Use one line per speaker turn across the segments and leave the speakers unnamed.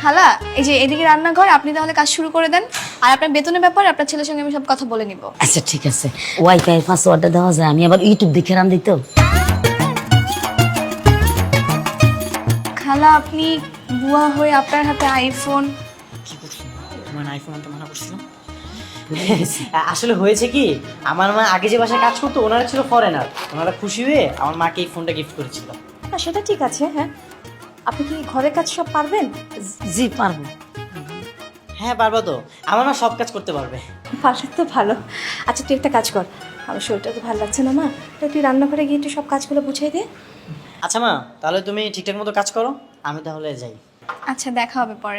খালা এই যে এদিকে রান্নাঘর, আপনি তাহলে কাজ শুরু করে দেন। আর আপনার বেতনের ব্যাপারে আপনার ছেলের সঙ্গে আমি সব কথা বলে নিব।
আচ্ছা ঠিক আছে, ওয়াইফাই পাসওয়ার্ডটা দেওয়া যায়? আমি আবার ইউটিউব দেখে রান দিত।
খালা আপনি বুয়া হয়ে আপনার হাতে আইফোন।
কি করছো? তোমার আইফোন আনতে মানা করছিলাম। আসলে হয়েছে কি, আমার মা আগে যে বাসায় কাজ করতো ওনারা ছিল ফরেনার, ওনারা খুশি হয়ে আমার মাকে এই ফোনটা গিফট করেছিল।
না সেটা ঠিক আছে। হ্যাঁ, আপনি কি ঘরের কাজ সব পারবেন?
জি পারবো।
হ্যাঁ পারবা তো, আমার মা সব কাজ করতে পারবে।
পারলে তো ভালো। আচ্ছা তুই একটা কাজ কর, আমার শরীরটা তো ভালো লাগছে না মা, তাই তুই রান্নাঘরে গিয়ে একটু সব কাজগুলো বুঝিয়ে দে।
আচ্ছা মা, তাহলে তুমি ঠিকঠাক মতো কাজ করো, আমি তাহলে যাই।
আচ্ছা দেখা হবে পরে।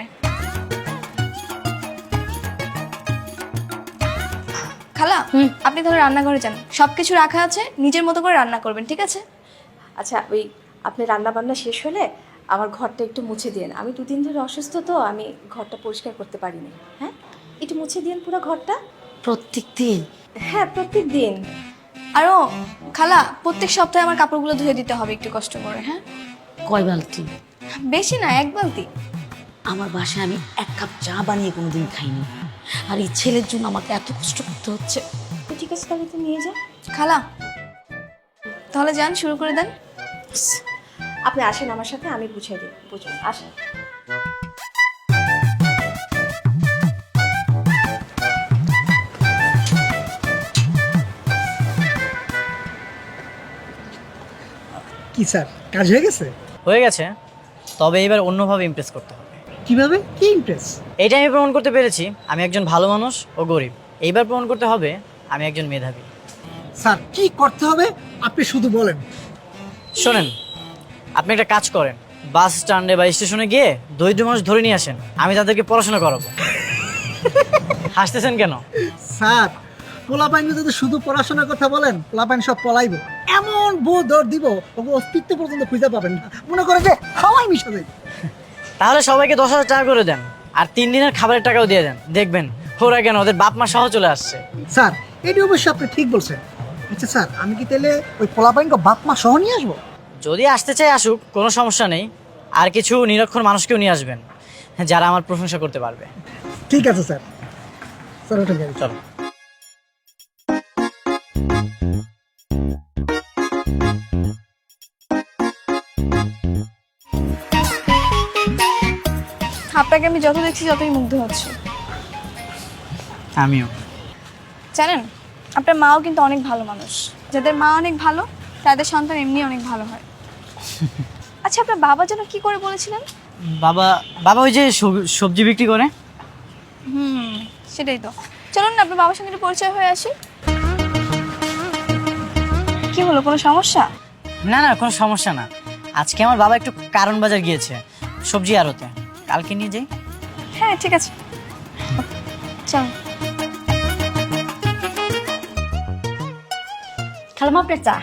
খালা আপনি তাহলে রান্নাঘরে যান, সবকিছু রাখা আছে, নিজের মতো করে রান্না করবেন, ঠিক আছে?
আচ্ছা ওই আপনি রান্না বান্না শেষ হলে আমার ঘরটা একটু মুছে দিন। আমি দুদিন ধরে অসুস্থ তো, আমি ঘরটা পরিষ্কার করতে পারিনি। হ্যাঁ, একটু মুছে দিন পুরো ঘরটা।
প্রত্যেক দিন?
হ্যাঁ প্রত্যেক দিন।
আরও খালা প্রত্যেক সপ্তাহে আমার কাপড়গুলো ধুয়ে দিতে হবে একটু কষ্ট করে। হ্যাঁ
কয় বালতি?
বেশি না, 1 বালতি।
আমার বাসায় আমি 1 কাপ চা বানিয়ে কোনোদিন খাইনি, আর এই ছেলের জন্য আমাকে এত কষ্ট করতে হচ্ছে।
তো ঠিক আছে তাহলে তুই নিয়ে যা।
খালা তাহলে যান, শুরু করে দেন।
আপনি আসেন আমার সাথে, আমি বুঝিয়ে দিই। বুঝুন, আসেন।
কি স্যার, কাজ হয়ে গেছে?
হয়ে গেছে, তবে এবার অন্যভাবে ইমপ্রেস করতে হবে।
কিভাবে? কি ইমপ্রেস?
এইটা আমি প্রমাণ করতে পেরেছি আমি একজন ভালো মানুষ ও গরিব। এইবার প্রমাণ করতে হবে আমি একজন মেধাবী।
স্যার কি করতে হবে আপনি শুধু বলেন।
শোনেন, আপনি একটা কাজ করেন, বাস স্ট্যান্ডে বা স্টেশনে গিয়ে দরিদ্র মানুষ ধরে নিয়ে আসেন, আমি তাদেরকে পড়াশোনা করাবো। হাসতেছেন কেন?
স্যার পোলাপাইন যদি শুধু পড়াশোনার কথা বলেন, পোলাপাইন সব পলাইব। এমন বউ দৌড় দিব ওকে অস্তিত্ব পর্যন্ত খুঁজে পাবেন না, মনে করে যে হাওয়াই মিশে যায়।
তাহলে সবাইকে 10,000 টাকা করে দেন, আর 3 দিনের খাবারের টাকাও দিয়ে দেন, দেখবেন ওরা কেন ওদের বাপ মা সহ চলে আসছে।
স্যার এটি অবশ্যই আপনি ঠিক বলছেন। আচ্ছা স্যার, আমি কি তাহলে ওই পোলাপাইনকে বাপ মা সহ নিয়ে আসবো?
যদি আসতে চাই আসুক, কোনো সমস্যা নেই। আর কিছু নিরক্ষর মানুষকেও নিয়ে আসবেন যারা আমার প্রশংসা করতে পারবে।
ঠিক আছে স্যার। স্যার ওটা গাড়ি
চলো।
আপনাকে আমি যত দেখছি যতই মুগ্ধ হচ্ছে।
আমিও।
জানেন আপনার মাও কিন্তু অনেক ভালো মানুষ, যাদের মা অনেক ভালো তাদের সন্তান এমনি অনেক ভালো হয়। আচ্ছা আপনার বাবা যেন কি করে বলেছিলেন?
বাবা বাবা ওই যে সবজি বিক্রি করে।
সেটাই তো। চলুন না আপনার বাবার সঙ্গে একটু পরিচয় হয়ে আসি। কি হলো, কোনো সমস্যা?
না না, কোনো সমস্যা না। আজকে আমার বাবা একটু কারণ বাজার গিয়েছে সবজি আড়তে, কালকে নিয়ে যাই।
হ্যাঁ ঠিক আছে, চল।
খালাম আপনার চা।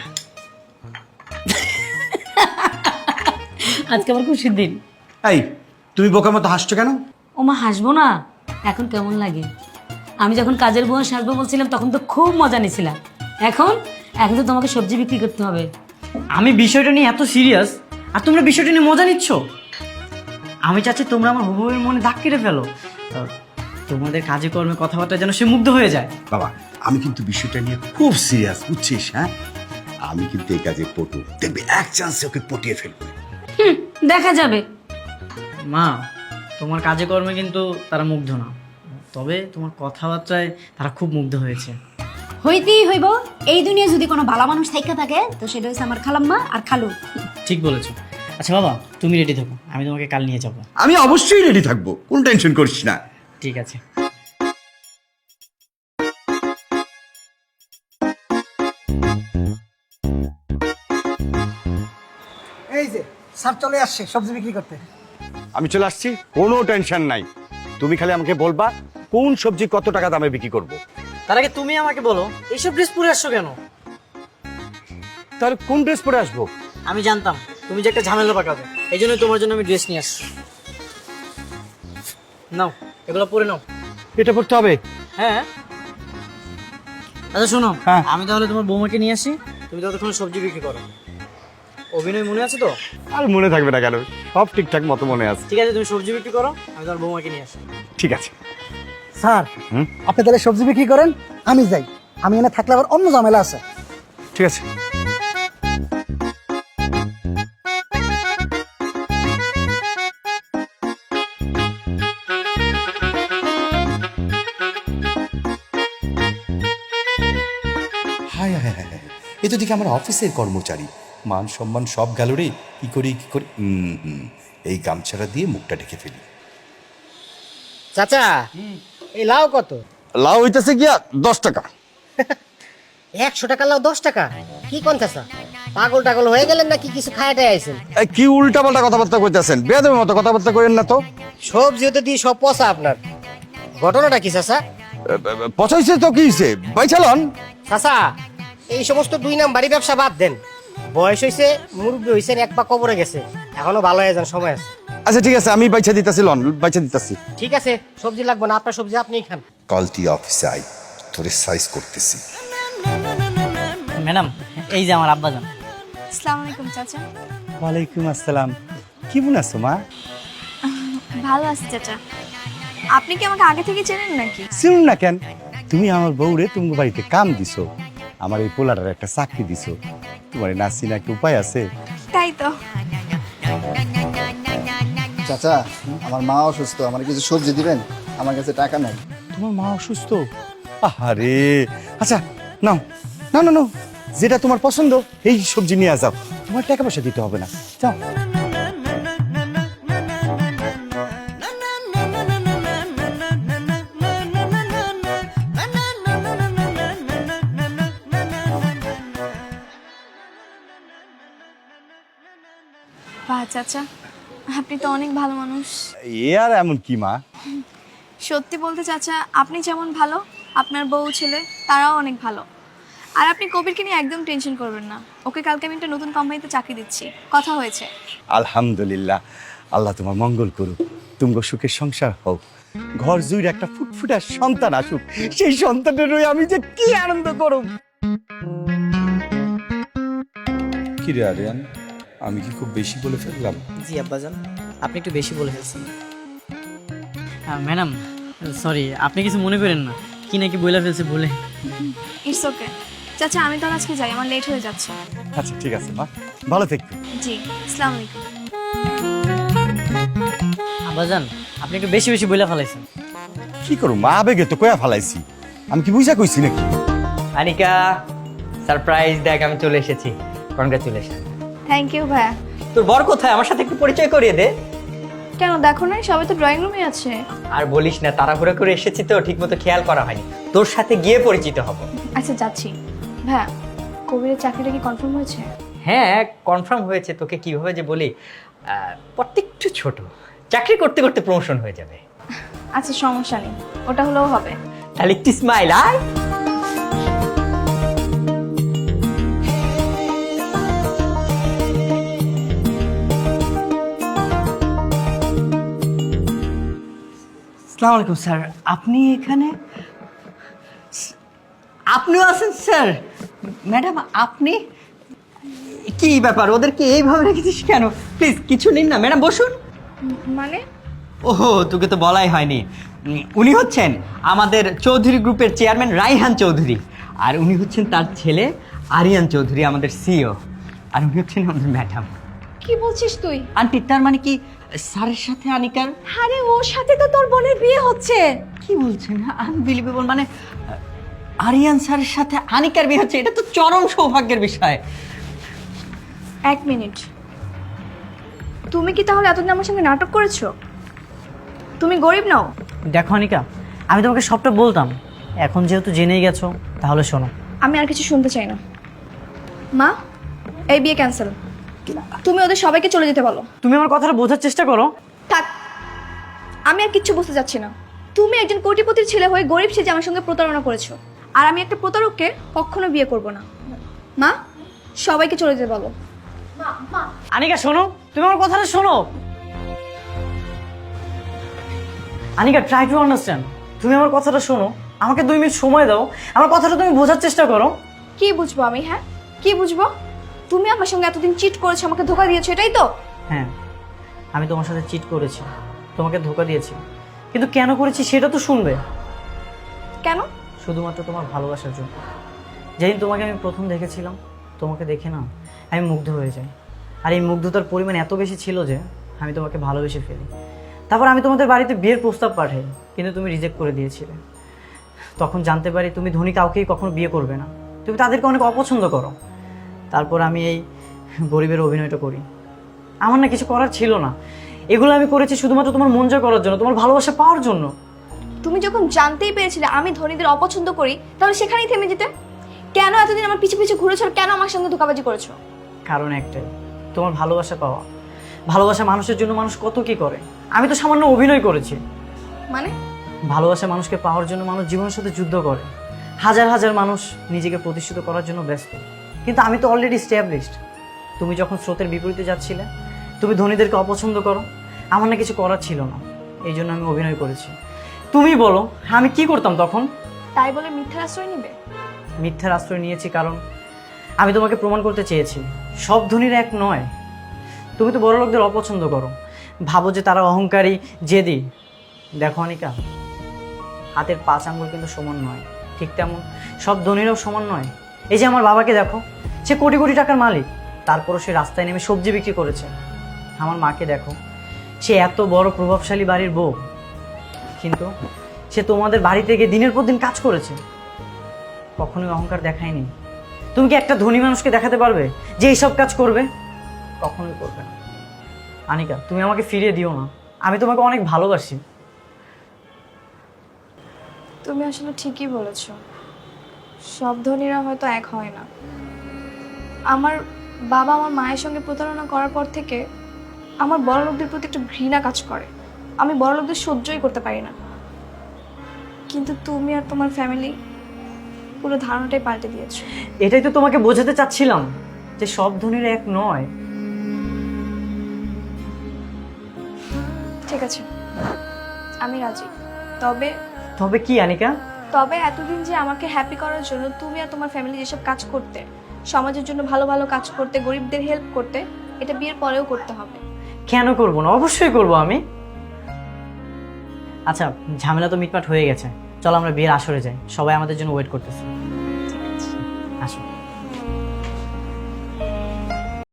আজকে আমার খুশির দিন।
এই তুমি বোকার মতো হাসছো কেন?
ও মা, হাসবো না? এখন কেমন লাগে? আমি যখন কাজের বুয়া সাজবো বলছিলাম তখন তো খুব মজা নিয়েছিলাম। এখন এখন তো তোমাকে সবজি বিক্রি করতে হবে।
আমি বিষয়টা নিয়ে এত সিরিয়াস, আর তোমরা বিষয়টা নিয়ে মজা নিচ্ছ। আমি চাচ্ছি তোমরা আমার হুবুবের মনে দাগ কেটে ফেলো, তোমাদের কাজে কর্মে কথাবার্তা যেন সে মুগ্ধ হয়ে যায়।
বাবা, আমি কিন্তু বিষয়টা নিয়ে খুব সিরিয়াস, বুঝছিস? হ্যাঁ, আমি কিন্তু এই কাজে পটু, দেখবি এক চান্সে ওকে পটিয়ে ফেলবো।
দেখা যাবে।
মা, তোমার কাজে কর্মে কিন্তু তারা মুগ্ধ না, তবে তোমার কথাবার্তায় তারা খুব মুগ্ধ হয়েছে।
হইতেই হইব। এই দুনিয়া যদি কোনো ভালো মানুষ থাইকা থাকে তো সেটা হচ্ছে আমার খালাম্মা আর খালু।
ঠিক বলেছো। আচ্ছা বাবা, তুমি রেডি থাকো, আমি তোমাকে কাল নিয়ে যাবো।
আমি অবশ্যই রেডি থাকবো, কোনো টেনশন করিস না।
ঠিক আছে।
এই যে স্যার চলে আসছে সবজি বিক্রি করতে।
আমি চলে আসছি, কোনো টেনশন নাই। তুমি খালি আমাকে বলবা কোন সবজি কত টাকা দামে বিক্রি করব।
তার আগে তুমি আমাকে বলো, এইসব ড্রেস পরে আসছো কেন?
তাহলে কোন ড্রেস পরে আসবো?
আমি জানতাম তুমি যে একটা ঝামেলা পাকাবে, এই জন্য তোমার জন্য আমি ড্রেস নিয়ে আসছি। নাও, এগুলো পরে নাও।
এটা পড়তে হবে?
হ্যাঁ। আচ্ছা শোনো,
হ্যাঁ।
আমি তাহলে তোমার বৌমাকে নিয়ে আসি, তুমি ততক্ষণ সবজি বিক্রি করো। অভিনয় মনে আছে তো?
আর মনে থাকবে না কেন,
সব ঠিকঠাক মতো মনে আছে।
ঠিক আছে, তুমি সবজি বিক্রি করো, আমি তোমার বৌমাকে নিয়ে আসি।
ঠিক আছে।
স্যার
হুম?
আপনি তাহলে সবজি বিক্রি করেন, আমি যাই। আমি এনে থাকলে আবার অন্য ঝামেলা আছে।
ঠিক আছে।
হায় হায় হায় হায়, এ তো দেখি আমার অফিসের কর্মচারী, মান সম্মান সব গেল রে। কি করি কি করি, এই গামছাটা দিয়ে মুখটা ঢেকে ফেলি।
চাচা, এই লাউ কত?
লাউ হইতেছে গিয়া 10 টাকা।
100 টাকা লাউ 10 টাকা? কি কোন চাচা, পাগল টাগল হয়ে গেলেন নাকি? কিছু খায়াটাই আইছেন?
এই কি উল্টা পাল্টা কথাবার্তা কইতেছেন? বেয়াদবের মতো কথাবার্তা কইেন না তো।
সবজি তো দিয়ে সব পচা আপনার। ঘটনাটা কি চাচা?
পচাইছে তো কি হইছে, বাইছালন।
চাচা, এই সমস্ত 2 নাম্বারি ব্যবসা বাদ দেন। বয়স হইছে, মুরব্বী হইছেন, এক পা কবরে গেছে, এখনো ভালো হয়ে যান, সময় আছে।
আচ্ছা ঠিক আছে, আমি বাইছা দিতাছি, লন বাইছা দিতাছি।
ঠিক আছে, সবজি লাগবে না, আপনার সবজি আপনিই খান।
কাল তুই অফিসে আই, তোরে সাইজ করতেছি।
ম্যাডাম, এই যে আমার আব্বাজান।
আসসালামু আলাইকুম চাচা।
ওয়ালাইকুম আসসালাম। কেমন আছো মা?
ভালো আছি চাচা। আপনি কি আমাকে আগে থেকে চেনেন নাকি?
শুনুন না কেন, তুমি আমার বউরে তুমি বাড়িতে কাম দিছো, আমার এই পোলাটার একটা চাকরি দিছো, তোমার নাচি না একটা উপায় আছে?
তাই তো।
চাচা আমার মা অসুস্থ, আমার কিছু সবজি দিবেন, আমার কাছে টাকা নাই।
তোমার মা অসুস্থ? আহারে, আচ্ছা নাও, না না না, যেটা তোমার পছন্দ এই সবজি নিয়ে যাও, তোমার টাকা পয়সা দিতে হবে না, যাও।
বাহ চাচা, আপনি তো অনেক ভালো মানুষ।
এ আর এমন কি মা?
সত্যি বলতে চাচা, আপনি যেমন ভালো, আপনার বউ ছেলে তারাও অনেক ভালো। আর আপনি কবিরকে নিয়ে একদম টেনশন করবেন না, ওকে কালকে আমি একটা নতুন কোম্পানিতে চাকরি দিচ্ছি, কথা হয়েছে।
আলহামদুলিল্লাহ, আল্লাহ তোমার মঙ্গল করুক, তুমি সুখের সংসার হোক, ঘর জুড়ে একটা ফুটফুটার সন্তান আসুক, সেই সন্তানের রয়ে আমি যে কি আনন্দ করব।
কি রে আরিয়ান, আমি কি খুব বেশি বলে ফেললাম?
জি আব্বাজান, আপনি একটু বেশি বলে ফেলছেন। ম্যাডাম সরি, আপনি কিছু মনে করেন না, কি নাকি বইলা ফেলছে বলে।
ইটস ওকে চাচা, আমি তো আজকে যাই, আমার লেট হয়ে যাচ্ছে।
আচ্ছা ঠিক আছে মা, ভালো থেকো।
জি, আসসালামু আলাইকুম।
আব্বাজান, আপনি একটু বেশি বেশি বইলা ফেলাইছেন।
কি করো মা, আবেগে তো কয়া ফালাইছি, আমি কি বুঝা কইছি নাকি?
আনিকা, সারপ্রাইজ দেখ, আমি চলে এসেছি। কনগ্রাচুলেশন।
থ্যাংক ইউ ভাইয়া।
তোর বর কোথায়? আমার সাথে একটু পরিচয় করিয়ে দে।
কেন দেখো না, সবাই তো ড্রয়িং রুমে আছে।
আর বলিস না, তাড়াহুড়ো করে এসেছি তো, ঠিকমতো খেয়াল করা হয়নি। তোর সাথে গিয়ে পরিচিত হব।
আচ্ছা যাচ্ছি। ভাইয়া, কবিরের চাকরিটা কি কনফার্ম হয়েছে?
হ্যাঁ, কনফার্ম হয়েছে। তোকে কিভাবে যে বলি, প্রত্যেকটু ছোট, চাকরি করতে করতে প্রমোশন হয়ে যাবে।
আচ্ছা সমস্যা নেই, ওটা হলেও হবে।
তাহলে একটু স্মাইল আয়।
আসসালামু আলাইকুম স্যার, আপনি এখানে? আপনিও আছেন স্যার? ম্যাডাম আপনি? কি ব্যাপার, ওদেরকে এইভাবে রেখেছিস কেন? প্লিজ কিছু নিন না, ম্যাডাম বসুন।
মানে?
ওহো, তোকে তো বলাই হয়নি। উনি হচ্ছেন আমাদের চৌধুরী গ্রুপের চেয়ারম্যান রাইহান চৌধুরী, আর উনি হচ্ছেন তার ছেলে আরিয়ান চৌধুরী, আমাদের সিইও, আর উনি হচ্ছেন আমাদের ম্যাডাম।
কি বলছিস তুই?
আন্টি, তার মানে কি স্যারের সাথে আনিকার?
আরে ওর সাথে তো তোর বোনের বিয়ে হচ্ছে।
কি বলছেন? আনবিলিভেবল, মানে আরিয়ান স্যারের সাথে আনিকার বিয়ে হচ্ছে? এটা তো চরম সৌভাগ্যের বিষয়।
এক মিনিট, তুমি কি তাহলে এতদিন আমার সঙ্গে নাটক করেছো? তুমি গরিব নাও?
দেখো আনিকা, আমি তোমাকে সবটা বলতাম, এখন যেহেতু জেনেই গেছো তাহলে শোনো।
আমি আর কিছু শুনতে চাই না। মা, এই বিয়ে ক্যান্সেল। তুমি ওদের সবাইকে চলে যেতে বলো।
তুমি আমার কথাটা বোঝার চেষ্টা করো।
থাক, আমি আর কিচ্ছু বুঝতে যাচ্ছি না। তুমি একজন কোটিপতির ছেলে হয়ে গরিব সেজে আমার সঙ্গে প্রতারণা করেছো, আর আমি একটা প্রতারককে কখনো বিয়ে করব না। মা, সবাইকে চলে যেতে বলো।
আনিকা শোনো, তুমি আমার কথাটা শোনো। Anika, try to understand. তুমি আমার কথাটা শোনো, আমাকে 2 মিনিট সময় দাও, আমার কথাটা তুমি বোঝার চেষ্টা করো।
কি বুঝবো আমি? হ্যাঁ, কি বুঝবো? তুমি আমার সঙ্গে এতদিন চিট করেছো, আমাকে ধোকা দিয়েছো, এটাই তো?
হ্যাঁ, আমি তোমার সাথে চিট করেছি, তোমাকে ধোকা দিয়েছি, কিন্তু কেন করেছি সেটা তো শুনবে।
কেন?
শুধুমাত্র তোমার ভালোবাসার জন্য। যেদিন তোমাকে আমি প্রথম দেখেছিলাম, তোমাকে দেখে না আমি মুগ্ধ হয়ে যাই। আর এই মুগ্ধতার পরিমাণ এত বেশি ছিল যে আমি তোমাকে ভালোবেসে ফেলি। তারপর আমি তোমাদের বাড়িতে বিয়ের প্রস্তাব পাঠাই, কিন্তু তুমি রিজেক্ট করে দিয়েছিলে। তখন জানতে পারি তুমি ধনী কাউকেই কখনো বিয়ে করবে না, তুমি তাদেরকে অনেক অপছন্দ করো। তারপর আমি এই গরিবের অভিনয়টা করি। আমার না কিছু করার ছিল না, এগুলো আমি করেছি শুধুমাত্র তোমার মন জয় করার জন্য, তোমার ভালোবাসা পাওয়ার জন্য।
তুমি যখন জানতেই পেরেছিলে আমি ধনীদের অপছন্দ করি, তাহলে সেখানেই থেমে যেতে। কেন এতদিন আমার পিছু পিছু ঘুরেছো আর কেন আমার সঙ্গে ধোঁকাবাজি করেছো?
কারণ একটাই, তোমার ভালোবাসা পাওয়া। ভালোবাসা মানুষের জন্য মানুষ কত কি করে, আমি তো সামান্য অভিনয় করেছি।
মানে?
ভালোবাসা মানুষকে পাওয়ার জন্য মানুষ জীবনের সাথে যুদ্ধ করে, হাজার হাজার মানুষ নিজেকে প্রতিষ্ঠিত করার জন্য ব্যস্ত, কিন্তু আমি তো অলরেডি এস্টাবলিশড। তুমি যখন স্রোতের বিপরীতে যাচ্ছিলে, তুমি ধনীদেরকে অপছন্দ করো, আমার না কিছু করার ছিল না, এই জন্য আমি অভিনয় করেছি। তুমি বলো আমি কি করতাম তখন?
তাই বলে মিথ্যার আশ্রয় নিবে?
মিথ্যার আশ্রয় নিয়েছি কারণ আমি তোমাকে প্রমাণ করতে চেয়েছি সব ধনীরা এক নয়। তুমি তো বড় লোকদের অপছন্দ করো, ভাবো যে তারা অহংকারী, জেদি। দেখো অনিকা, হাতের 5 আঙ্গুল কিন্তু সমান নয়, ঠিক তেমন সব ধনীরাও সমান নয়। এই যে আমার বাবাকে দেখো, সে কোটি কোটি টাকার মালিক, তারপরও সে রাস্তায় নেমে সবজি বিক্রি করেছে। আমার মাকে দেখো, সে এত বড় প্রভাবশালী বাড়ির বউ, কিন্তু সে তোমাদের বাড়ি থেকে দিনের পর দিন কাজ করেছে, কখনোই অহংকার দেখায়নি। তুমি কি একটা ধনী মানুষকে দেখাতে পারবে যে এইসব কাজ করবে? কখনোই করবে না। আনিকা, তুমি আমাকে ফিরিয়ে দিও না, আমি তোমাকে অনেক ভালোবাসি।
তুমি আসলে ঠিকই বলেছো, সব ধনীরা হয়তো এক হয় না। আমার বাবা আমার মায়ের সঙ্গে প্রতারণা করার পর থেকে আমার বড় লোকদের প্রতি একটা ঘৃণা কাজ করে। আমি বড় লোকদের সহ্যই করতে পারি না, কিন্তু তুমি আর তোমার ফ্যামিলি পুরো ধারণাটাই পাল্টে দিয়েছো।
এটাই তো তোমাকে বোঝাতে চাচ্ছিলাম যে সব ধনীরা এক নয়।
ঠিক আছে, আমি রাজি। তবে
তবে কি আনিকা?
তবে এতদিন যে আমাকে হ্যাপি করার জন্য তুমি আর তোমার ফ্যামিলি যেসব কাজ করতে, সমাজের জন্য ভালো ভালো কাজ করতে, গরিবদের হেল্প করতে, এটা বিয়ের পরেও করতে হবে।
কেন করবো না? অবশ্যই করবো আমি। আচ্ছা, ঝামেলা তো মিটমাট হয়ে গেছে, চলো আমরা বিয়ের আসরে যাই, সবাই আমাদের জন্য ওয়েট করতেছে।